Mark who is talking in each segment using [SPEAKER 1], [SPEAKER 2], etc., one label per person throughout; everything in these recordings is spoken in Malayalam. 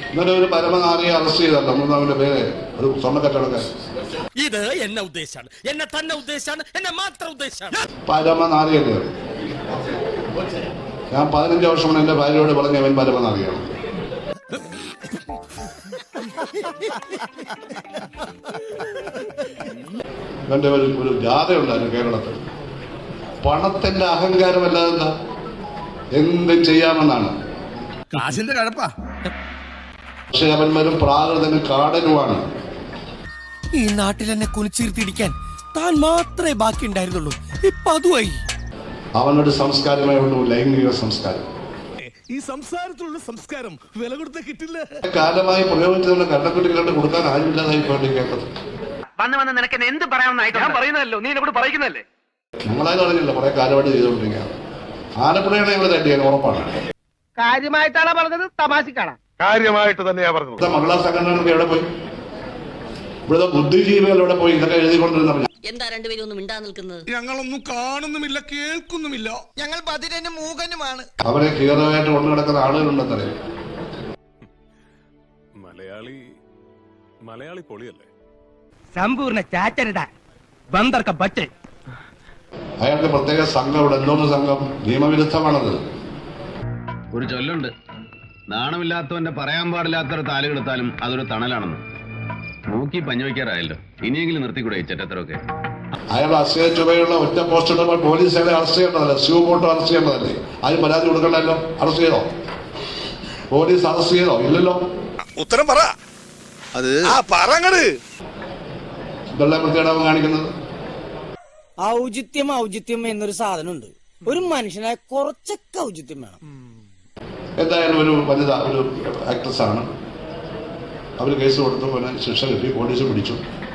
[SPEAKER 1] ഇന്നലെ ഒരു പരമനാരിയെ അറസ്റ്റ് ചെയ്തല്ലോ, അവന്റെ പേര് അത് സ്വർണ്ണക്കച്ചവടക്കാരൻ.
[SPEAKER 2] ഇത് എന്നെ ഉദ്ദേശാണ്, എന്നെ തന്നെ ഉദ്ദേശാണ്, എന്നെ മാത്രം ഉദ്ദേശാണ്.
[SPEAKER 1] പരമനാരിയല്ലേ? ഞാൻ 15 വർഷം മുന്നേ എന്റെ ഭാര്യയോട് പറഞ്ഞ അവൻ പരമനാരിയാണ്. ഇവന്റെ ഒരു ജാഥയുണ്ടായിരുന്നു കേരളത്തിൽ. പണത്തിന്റെ അഹങ്കാരമല്ലാതെ എന്താ, എന്ത് ചെയ്യാമെന്നാണ്.
[SPEAKER 3] കാശിന്റെ കഴപ്പാ.
[SPEAKER 1] പക്ഷെ അവന്മാരും പ്രാകൃതനും കാടനുമാണ്.
[SPEAKER 2] ഈ നാട്ടിൽ എന്നെ കുനിച്ചിരുത്തിടിക്കാൻ താൻ മാത്രമേ ബാക്കി ഉണ്ടായിരുന്നുള്ളൂ. ഇപ്പൊ അതുമായി.
[SPEAKER 1] അവനൊരു സംസ്കാരമേ ഉള്ളൂ, ലൈംഗിക സംസ്കാരം.
[SPEAKER 3] ഈ സംസാരത്തിലുള്ള സംസ്കാരം വില കൊടുത്ത കിട്ടില്ല.
[SPEAKER 1] കാലമായി പ്രയോഗിച്ചതുകൊണ്ട് കണ്ടക്കുട്ടികളുടെ കൊടുക്കാൻ ആരുമില്ലാതായി പോയി കേട്ടത്.
[SPEAKER 4] വന്ന് നിനക്ക് എന്ത് പറയാമെന്നായിട്ട് ഞാൻ പറയുന്നതല്ലോ, നീ എന്നെ കൂടെ പറയിക്കുന്നതല്ലേ.
[SPEAKER 1] ഞങ്ങളായത് അറിഞ്ഞില്ല, കുറെ കാലമായിട്ട് ചെയ്തുകൊണ്ടിരിക്കുകയാണ്. ആലപ്പുഴയാണ് ഞങ്ങൾ തട്ടിയത് ഉറപ്പാണ്.
[SPEAKER 4] കാര്യമായിട്ടാണ് പറഞ്ഞത്, തമാശക്കാണ്?
[SPEAKER 5] കാര്യമായിട്ട് തന്നെയാ പറഞ്ഞത്.
[SPEAKER 1] മഹിളാ സംഘടനകളൊക്കെ എവിടെ പോയി? ഇവിടുത്തെ ബുദ്ധിജീവികൾ എവിടെ പോയി? ഇതൊക്കെ എഴുതിക്കൊണ്ടിരുന്ന
[SPEAKER 6] എന്താ രണ്ടുപേരും ഒന്നും മിണ്ടാ നിൽക്കുന്നത്?
[SPEAKER 3] ഞങ്ങളൊന്നും കാണുന്നുമില്ല, കേൾക്കുന്നുമില്ല.
[SPEAKER 7] ഞങ്ങൾ ബധിരനും മൂകനുമാണ്.
[SPEAKER 1] അവരെ ഹീറോയായിട്ട് കൊണ്ടു കിടക്കുന്ന ആളുകളുണ്ടെന്നറിയാം.
[SPEAKER 5] മലയാളി പൊളിയല്ലേ?
[SPEAKER 4] സമ്പൂർണ്ണ ചാറ്റരുത ബന്ദർക്ക ബച്ചേ.
[SPEAKER 1] അയാൾക്ക് പ്രത്യേക സംഘം ഇവിടെ, എന്തോന്ന് സംഘം? നിയമവിരുദ്ധമാണത്.
[SPEAKER 8] ഒരു ചൊല്ലുണ്ട്, നാണമില്ലാത്തവന്റെ പറയാൻ പാടില്ലാത്തൊരു താലുകെടുത്താലും അതൊരു തണലാണെന്ന്. നോക്കി പഞ്ഞുവയ്ക്കാറായല്ലോ, ഇനിയെങ്കിലും നിർത്തിക്കൂടെ ഈ ചെറ്റത്തരൊക്കെ?
[SPEAKER 1] അയാൾ അസഹ്യ ചുവയുള്ള ഒറ്റ പോസ്റ്റ് ഇടുമ്പോൾ പോലീസ് അയാളെ അറസ്റ്റ് ചെയ്യേണ്ടതല്ലേ? സ്യൂ പോട്ടോ അറസ്റ്റ് ചെയ്യേണ്ടതല്ലേ? ആരും പരാതി കൊടുക്കണ്ടല്ലോ. അറസ്റ്റ് ചെയ്തോ? പോലീസ് അറസ്റ്റ് ചെയ്തോ? ഇല്ലല്ലോ.
[SPEAKER 3] ഉത്തരം പറ. അത് പറങ്ങട്.
[SPEAKER 1] ഇതെല്ലാം വൃത്തികേടാവും കാണിക്കുന്നത്.
[SPEAKER 7] ഔചിത്യം എന്നൊരു സാധനമുണ്ട്. ഒരു മനുഷ്യനായ കുറച്ചൊക്കെ ഔചിത്യം വേണം.
[SPEAKER 1] എന്തായാലും ഒരു വനിത, ഒരു ആക്ട്രസ് ആണ്. അവർ കേസ് കൊടുത്തു, പിന്നെ ശിക്ഷ കിട്ടി, പോലീസ് പിടിച്ചു.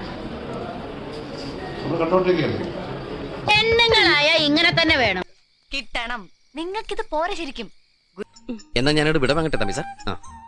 [SPEAKER 1] നമ്മൾ കണ്ടോണ്ടിരിക്കുകയല്ലേ.
[SPEAKER 6] പെണ്ണുങ്ങളായ ഇങ്ങനെ തന്നെ വേണം.
[SPEAKER 9] കിട്ടണം. നിങ്ങൾക്കിത് പോരെ ശരിക്കും.
[SPEAKER 2] എന്നാ ഞാനോട് വിട വാങ്ങട്ടെ തമ്പി സാർ.